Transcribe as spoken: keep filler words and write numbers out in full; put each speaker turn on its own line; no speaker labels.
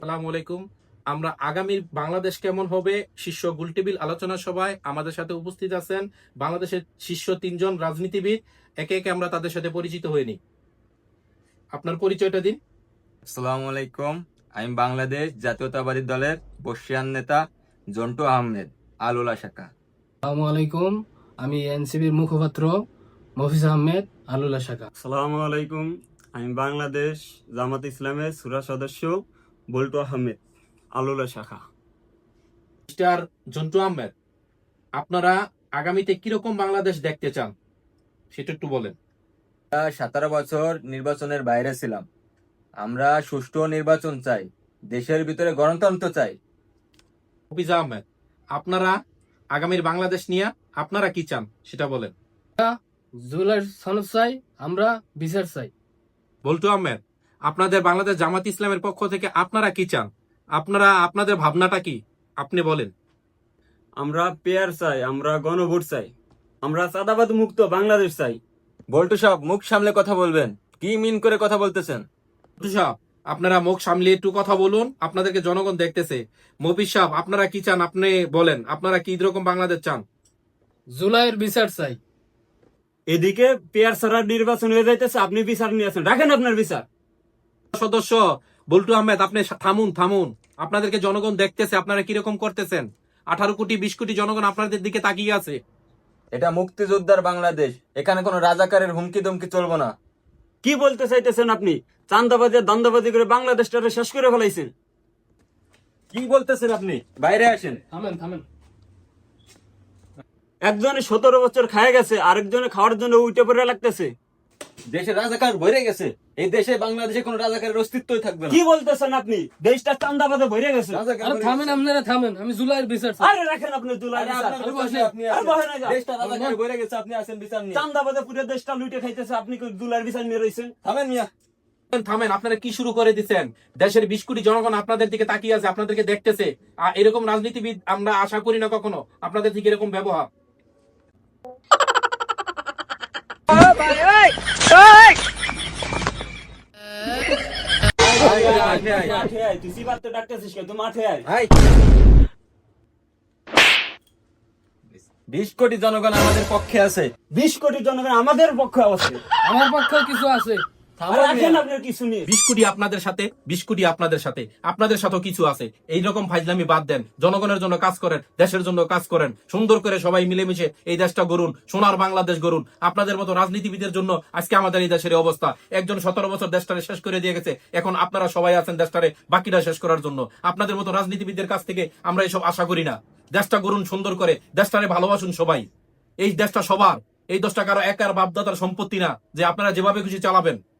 আসসালামু আলাইকুম। আমরা আগামীর বাংলাদেশ কেমন হবে শীর্ষ গোলটেবিল আলোচনা সভায় আমাদের সাথে উপস্থিত আছেন বাংলাদেশের শীর্ষ তিনজন রাজনীতিবিদ। একে একে আমরা তাদের সাথে পরিচিত হয়ে নিই। আপনার পরিচয়টা দিন।
আসসালামু আলাইকুম। আমি বাংলাদেশ জাতীয়তাবাদী দলের বর্ষিয়ান নেতা জন্টু আহমেদ, আলুলা শাখা।
আসসালামু আলাইকুম। আমি এনসিবির মুখপাত্র মফিজ আহমেদ, আলুলা শাখা।
আসসালামু আলাইকুম। আমি বাংলাদেশ জামাত ইসলামের সুরা সদস্য বল্টু আহমেদ, আলুলা শাখা।
মিস্টার জন্টু আহমেদ, আপনারা আগামীতে কিরকম বাংলাদেশ দেখতে চান সেটা একটু বলেন।
সতেরো বছর নির্বাচনের বাইরে ছিলাম। আমরা সুষ্ঠু নির্বাচন চাই, দেশের ভিতরে গণতন্ত্র চাই।
মফিজ আহমেদ, আপনারা আগামীর বাংলাদেশ নিয়ে আপনারা কি চান সেটা বলেন।
জুলাই সনদ চাই, আমরা বিচার চাই।
বল্টু আহমেদ, আপনাদের বাংলাদেশ জামাত ইসলামের পক্ষ থেকে আপনারা কি চান? আপনারা আপনাদের ভাবনাটা কি আপনি বলেন।
আমরা পেয়ার চাই, আমরা গণভোট চাই, আমরা চাঁদাবাদ মুক্ত বাংলাদেশ চাই।
বল্টু সাহেব, মুখ সামলে কথা বলবেন। কি মিন করে কথা বলতেছেন?
বল্টু সাহেব, আপনারা মুখ সামলিয়ে একটু কথা বলুন, আপনাদেরকে জনগণ দেখতেছে। মফিজ সাহেব, আপনারা কি চান আপনি বলেন, আপনারা কি রকম বাংলাদেশ চান?
জুলাইয়ের বিচার চাই।
এদিকে পেয়ার ছাড়া নির্বাচন হয়ে যাইতেছে, আপনি বিচার নিয়ে আছেন, রাখেন আপনার বিচার।
সদস্য বল্টু আহমেদ, আপনি থামুন থামুন আপনাদেরকে জনগণ দেখতেছে, আপনারা কিরকম করতেছেন। আঠারো কোটি বিশ কোটি জনগণ আপনাদের দিকে তাকিয়ে আছে।
এটা মুক্তিযোদ্ধার বাংলাদেশ, এখানে কোনো রাজাকারের হুমকি দমকি চলবো না।
কি বলতে চাইতেছেন আপনি? চান্দাবাজি আর দান্দাবাজি করে বাংলাদেশটারে শেষ করে ফেলাইছেন। কি বলতেছেন আপনি?
বাইরে আসেন।
থামেন থামেন।
একজনে সতেরো বছর খায় গেছে, আরেকজনে খাওয়ার জন্য উঠে পড়ে লাগতেছে।
দেশে রাজাকার ভরে গেছে, এই দেশে বাংলাদেশে কোনো রাজাকারের অস্তিত্বই থাকবে না।
কি বলতেছেন আপনি? দেশটা চান্দাবাজে ভরে গেছে।
রাজাকার
আরে
ভরে
থামেন,
গেছে।
আপনারা থামেন। আমি জুলাইয়ের বিচার চাই।
আরে রাখেন আপনি জুলাই
আরে
বিচার।
আপনার
আরে
কাছে
বসেন।
আপনি
আরে
আসেন।
বসেন না যান।
দেশটা রাজাকারে ভরে গেছে, আপনি আসেন বিচার নিয়ে।
চান্দাবাজে পুরো দেশটা লুটে খাইতেছে, আপনি কি জুলাইয়ের বিচার নিয়ে রয়েছেন?
থামেন মিয়া।
থামেন, আপনারা কি শুরু করে দিচ্ছেন? দেশের বিশ কোটি জনগণ আপনাদের দিকে তাকিয়ে আছে, আপনাদেরকে দেখতেছে। আর এরকম রাজনীতিবিদ আমরা আশা করি না কখনো আপনাদের থেকে এরকম ব্যবহার।
মাঠে আয়, তুই সিবাতে ডাকতেছিস কেন? তুই মাঠে আয়।
হাই। বিশ কোটি জনগণ আমাদের পক্ষে আছে।
বিশ কোটি জনগণ আমাদের পক্ষে আছে।
আমার পক্ষেও কিছু আছে।
আর রাখেন আপনার কিছু নিয়ে।
বিশ কোটি আপনাদের সাথে, বিশ কোটি আপনাদের সাথে, আপনাদের সাথেও কিছু আছে। এইরকম ফাইজলামি বাদ দেন, জনগণের জন্য কাজ করেন, দেশের জন্য কাজ করেন, সুন্দর করে সবাই মিলেমিশে এই দেশটা গড়ুন, সোনার বাংলাদেশ গড়ুন। আপনাদের মতো রাজনীতিবিদের জন্য আজকে আমাদের এই দেশের এই অবস্থা। একজন সতেরো বছর দেশটারে শেষ করে দিয়ে গেছে, এখন আপনারা সবাই আছেন দেশটারে বাকিটা শেষ করার জন্য। আপনাদের মতো রাজনীতিবিদদের কাছ থেকে আমরা এসব আশা করি না। দেশটা গড়ুন সুন্দর করে, দেশটারে ভালোবাসুন সবাই। এই দেশটা সবার, এই দেশটা কারো একার বাপদাদার সম্পত্তি না যে আপনারা যেভাবে খুশি চালাবেন।